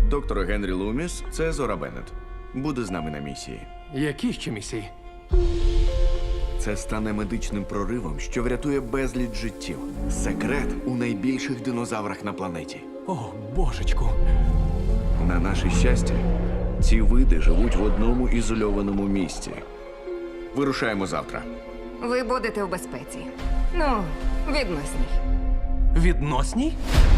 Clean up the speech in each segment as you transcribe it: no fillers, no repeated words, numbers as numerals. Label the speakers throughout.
Speaker 1: Доктор Генрі Луміс – це Зора Беннет. Буде з нами на місії.
Speaker 2: Які ще місії?
Speaker 1: Це стане медичним проривом, що врятує безліч життів. Секрет у найбільших динозаврах на планеті.
Speaker 2: О, божечку.
Speaker 1: На наше щастя, ці види живуть в одному ізольованому місці. Вирушаємо завтра.
Speaker 3: Ви будете в безпеці. Ну, відносній.
Speaker 2: Відносній?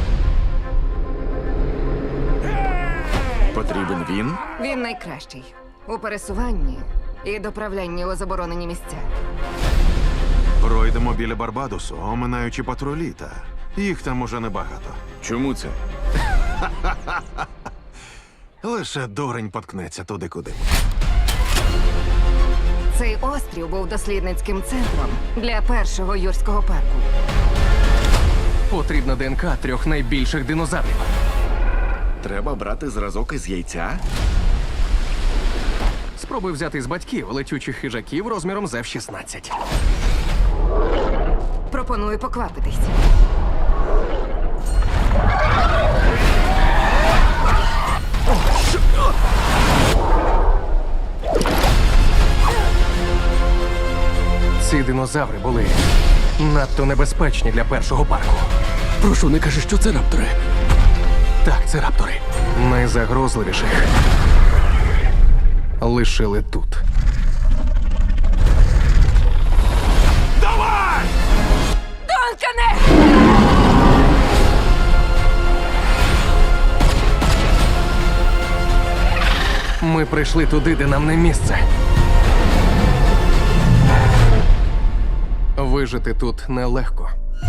Speaker 1: Потрібен він?
Speaker 3: Він найкращий у пересуванні і доправлянні у заборонені місця.
Speaker 4: Пройдемо біля Барбадосу, оминаючи патрулі, та їх там уже небагато.
Speaker 1: Чому це?
Speaker 4: Лише дурень поткнеться туди, куди.
Speaker 3: Цей острів був дослідницьким центром для першого юрського парку.
Speaker 2: Потрібна ДНК 3 найбільших динозаврів.
Speaker 1: Треба брати зразок із яйця?
Speaker 2: Спробуй взяти з батьків летючих хижаків розміром з F-16.
Speaker 3: Пропоную поквапитись.
Speaker 2: Ці динозаври були надто небезпечні для першого парку.
Speaker 5: Прошу, не кажи, що це раптори.
Speaker 2: Так, це раптори. Найзагрозливіших лишили тут.
Speaker 3: Донкане!
Speaker 2: Ми прийшли туди, де нам не місце. Вижити тут нелегко.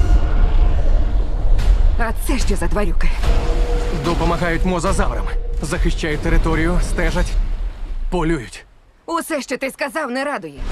Speaker 3: А це що за тварюки?
Speaker 2: Допомагають мозазаврам. Захищають територію, стежать, полюють.
Speaker 3: Усе, що ти сказав, не радує.